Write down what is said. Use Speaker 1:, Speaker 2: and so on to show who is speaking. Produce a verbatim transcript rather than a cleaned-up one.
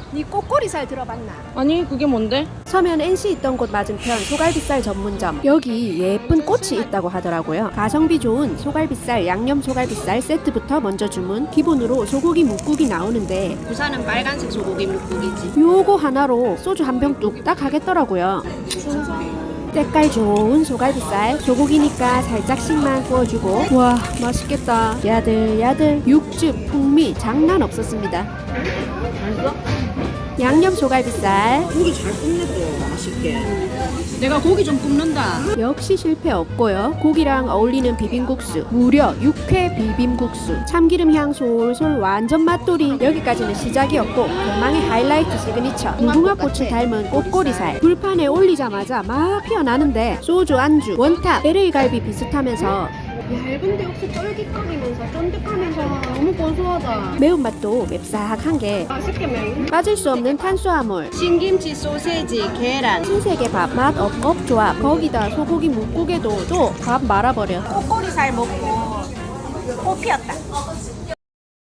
Speaker 1: 네 꼬꼬리살 들어봤나?
Speaker 2: 아니 그게 뭔데?
Speaker 1: 서면 엔씨 있던 곳 맞은편 소갈비살 전문점. 여기 예쁜 꽃이 있다고 하더라고요. 가성비 좋은 소갈비살, 양념 소갈비살 세트부터 먼저 주문. 기본으로 소고기 묵국이 나오는데
Speaker 2: 부산은 빨간색 소고기 묵국이지.
Speaker 1: 요거 하나로 소주 한 병 뚝딱 하겠더라고요. 색깔 좋은 소갈비살, 소고기니까 살짝씩만 구워주고. 와 맛있겠다. 야들야들 육즙 풍미 장난 없었습니다.
Speaker 2: 맛있어?
Speaker 1: 양념 소갈비살
Speaker 2: 고기 잘 굽네도 맛있게. 내가 고기 좀 굽는다.
Speaker 1: 역시 실패 없고요. 고기랑 어울리는 비빔국수, 무려 육회 비빔국수. 참기름 향 솔솔 완전 맛돌이. 여기까지는 시작이었고 대망의 하이라이트 시그니처 무궁화꽃을 닮은 꼬꼬리살. 불판에 올리자마자 막 피어나는데 소주 안주, 원탑, 엘에이 갈비 비슷하면서 얇은데 혹시 쫄깃거리면서 쫀득하면서 너무 고소하다. 매운맛도 맵싹한 게
Speaker 2: 맛있게 먹.
Speaker 1: 빠질 수 없는 탄수화물.
Speaker 2: 신김치, 소세지, 계란.
Speaker 1: 신세계 밥 맛 업업 조합. 거기다 소고기 묵국에도 또 밥 말아버려.
Speaker 2: 꼬꼬리살 먹고 코 피었다.